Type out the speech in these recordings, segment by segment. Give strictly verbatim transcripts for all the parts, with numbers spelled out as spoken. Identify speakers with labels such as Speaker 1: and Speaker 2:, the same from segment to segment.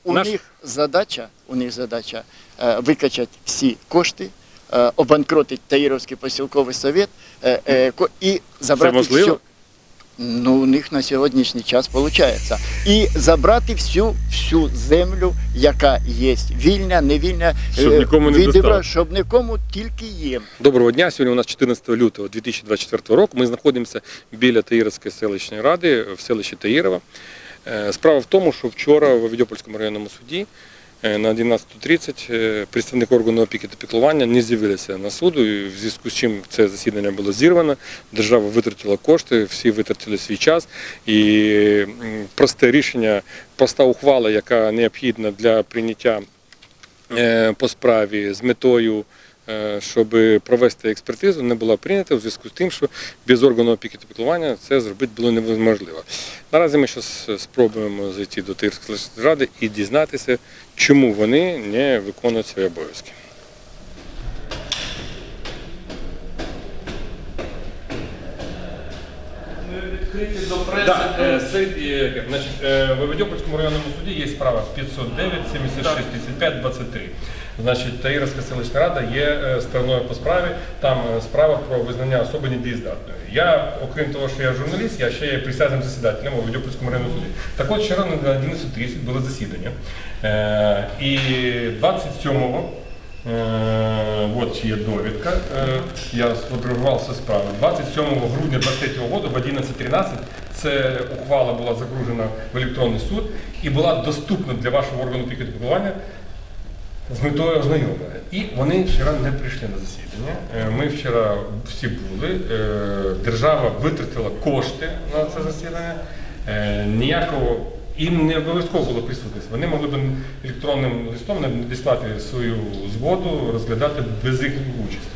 Speaker 1: у
Speaker 2: наш...
Speaker 1: них задача, у них задача е, викачати всі кошти, е, обанкротити Таїровський посілковий совет е, е, ко- і забрати
Speaker 2: Це можливо?
Speaker 1: все. Ну, у них на сьогоднішній час виходить. І забрати всю, всю землю, яка є, вільна, невільна,
Speaker 2: Щоб
Speaker 1: е,
Speaker 2: нікому не
Speaker 1: відібра-
Speaker 2: досталось.
Speaker 1: щоб нікому тільки їм.
Speaker 2: Доброго дня. Сьогодні у нас чотирнадцятого лютого дві тисячі двадцять четвертого року. Ми знаходимося біля Таїровської селищної ради в селищі Таїрова. Е, Справа в тому, що вчора в Авдіопольському районному суді е, на одинадцяту тридцять е, представник органу опіки та піклування не з'явилися на суду, і в зв'язку з чим це засідання було зірвано. Держава витратила кошти, всі витратили свій час. І м, просте рішення, проста ухвала, яка необхідна для прийняття е, по справі з метою, е, щоб провести експертизу, не була прийнята у зв'язку з тим, що без органу опіки та піклування це зробити було неможливо. Наразі ми зараз спробуємо зайти до Таїрської ради і дізнатися, чому вони не виконують свої обов'язки.
Speaker 3: Відкриті до преси.
Speaker 2: Да, е, серед, е, значить, е, в Авдіопольському районному суді є справа п'ятсот дев'ять сімдесят шість тридцять п'ять двадцять три. Значить, Таїровська селищна рада є е, стороною по справі, там е, справа про визнання особи недієздатною. Я, окрім того, що я журналіст, я ще є присяжним засідателем у Авдіопольському районному суді. Так от, вчора на одинадцяту тридцять було засідання. Е, і двадцять сьомого Е, от є довідка, е, я сфотографував цю справу. двадцять сьомого грудня двадцять третього року в одинадцять тринадцять ця ухвала була загружена в електронний суд і була доступна для вашого органу опіки та піклування з метою ознайомлення. І вони вчора не прийшли на засідання. Е, Ми вчора всі були, е, держава витратила кошти на це засідання. Е, Ніякого їм не обов'язково було присутність. Вони могли б електронним листом надіслати свою згоду, розглядати без їх участі.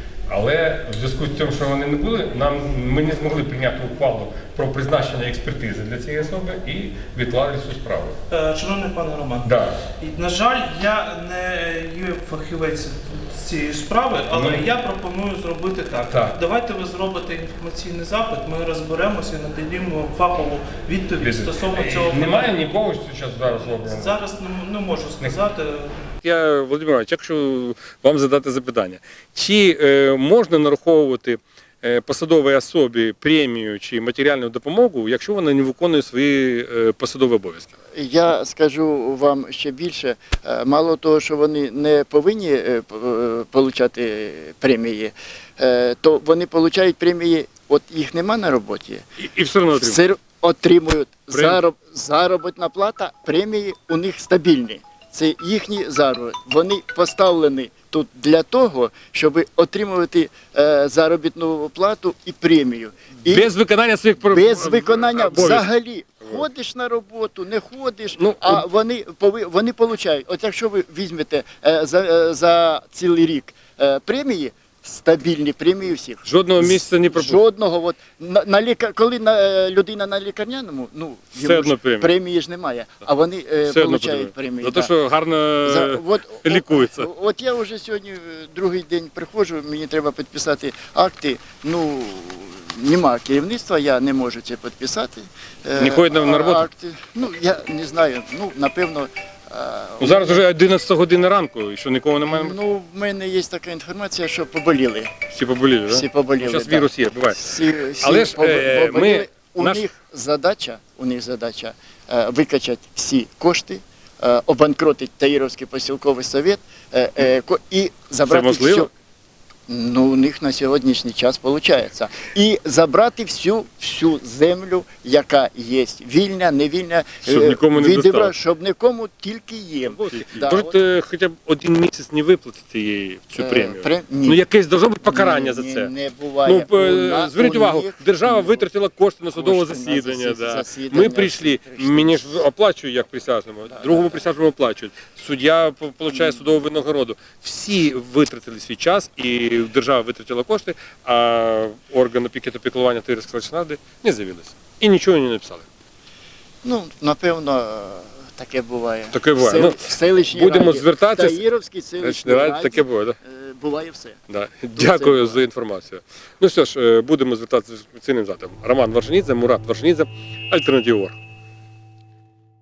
Speaker 2: Але в зв'язку з тим, що вони не були, нам, ми не змогли прийняти ухвалу про призначення експертизи для цієї особи і відклали цю справу.
Speaker 3: Е, Шановний пане Роман,
Speaker 2: Да.
Speaker 3: і, на жаль, я не є фахівець з цієї справи, але
Speaker 2: Ну.
Speaker 3: я пропоную зробити так.
Speaker 2: Так.
Speaker 3: Давайте ви зробите інформаційний запит, ми розберемося і надаємо фахову відповідь стосовно цього.
Speaker 2: Немає нікого, що зараз зараз зроблено?
Speaker 3: Зараз не, не можу сказати.
Speaker 2: Я, Володимир Іванович, якщо вам задати запитання, чи е, можна нараховувати е, посадовій особі премію чи матеріальну допомогу, якщо вона не виконує свої е, посадові обов'язки?
Speaker 1: Я скажу вам ще більше, е, мало того, що вони не повинні е, п- е, получати премії, е, то вони получають премії, от їх нема на роботі,
Speaker 2: І, і все одно отримують.
Speaker 1: все отримують
Speaker 2: Прем-
Speaker 1: зароб, заробітна плата, премії у них стабільні. Це їхні заробітки. Вони поставлені тут для того, щоб отримувати е, заробітну плату і премію. І
Speaker 2: Без виконання своїх пр-
Speaker 1: без виконання
Speaker 2: обов'язків.
Speaker 1: взагалі. Ходиш на роботу, не ходиш,
Speaker 2: Ну,
Speaker 1: а вони, пови- вони получають. От якщо ви візьмете е, за, е, за цілий рік е, премії, стабільні премії всіх.
Speaker 2: Жодного місяця не пропустить.
Speaker 1: Жодного. От, на, на лікар... Коли на, е, людина на лікарняному, ну,
Speaker 2: Все
Speaker 1: йому
Speaker 2: одно
Speaker 1: ж
Speaker 2: премія.
Speaker 1: премії ж немає, а вони е,
Speaker 2: Все одно
Speaker 1: получають
Speaker 2: потрібно.
Speaker 1: премії.
Speaker 2: За
Speaker 1: да.
Speaker 2: те, що гарно
Speaker 1: За- от,
Speaker 2: лікується.
Speaker 1: От, от я вже сьогодні е, другий день приходжу, мені треба підписати акти. Ну, нема керівництва, я не можу це підписати. Е,
Speaker 2: Не ходять на- на
Speaker 1: а-
Speaker 2: роботу?
Speaker 1: Акти. Ну, я не знаю, ну, напевно. е,
Speaker 2: Ну, зараз вже одинадцята година ранку, і що нікого немає,
Speaker 1: Ну, в мене є така інформація, що поболіли.
Speaker 2: всі поболіли, так?
Speaker 1: Всі поболіли.
Speaker 2: Зараз
Speaker 1: да.
Speaker 2: вірус є, буває.
Speaker 1: Всі, всі
Speaker 2: Але ж,
Speaker 1: поб-
Speaker 2: е,
Speaker 1: поболіли.
Speaker 2: ми-
Speaker 1: у
Speaker 2: наш-
Speaker 1: них задача, у них задача е, викачати всі кошти, е, обанкротити Таїровський посілковий совет е, е, ко- і забрати
Speaker 2: можливо?
Speaker 1: всю. Ну, у них на сьогоднішній час виходить. І забрати всю, всю землю, яка є, вільна, невільна,
Speaker 2: Щоб
Speaker 1: е,
Speaker 2: нікому не
Speaker 1: відібра-
Speaker 2: досталось.
Speaker 1: щоб нікому тільки їм. Да,
Speaker 2: Можуть
Speaker 1: от,
Speaker 2: е, хоча б один місяць не виплатити їй цю
Speaker 1: е,
Speaker 2: премію.
Speaker 1: пре- ні.
Speaker 2: Ну якесь должно бути покарання
Speaker 1: Ні,
Speaker 2: за
Speaker 1: ні,
Speaker 2: це.
Speaker 1: Не буває.
Speaker 2: Ну, е,
Speaker 1: У на-
Speaker 2: зверніть
Speaker 1: у
Speaker 2: увагу,
Speaker 1: них-
Speaker 2: держава
Speaker 1: ну,
Speaker 2: витратила кошти на судове
Speaker 1: кошти на
Speaker 2: засідання.
Speaker 1: засі-
Speaker 2: Да.
Speaker 1: засідання,
Speaker 2: Ми прийшли,
Speaker 1: прийшли.
Speaker 2: мені ж оплачують як присяжному, другому присяжному оплачують. Суддя по- получає судову винагороду. Всі витратили свій час, і держава витратила кошти, а орган опіки та піклування Таїрської селищної ради не з'явилися. І нічого не написали.
Speaker 1: Ну, напевно, таке буває.
Speaker 2: Таке буває.
Speaker 1: В сел-
Speaker 2: Ну,
Speaker 1: в селищній
Speaker 2: будемо
Speaker 1: раді,
Speaker 2: звертатись.
Speaker 1: в Таїровській селищній
Speaker 2: Селищної раді
Speaker 1: раді
Speaker 2: таке буває, так?
Speaker 1: е, буває все.
Speaker 2: Да. Дякую за інформацію. Ну що ж, е, будемо звертатися з цим запитом. Роман Варшанідзе, Мурат Варшанідзе, Альтернатива точка орг.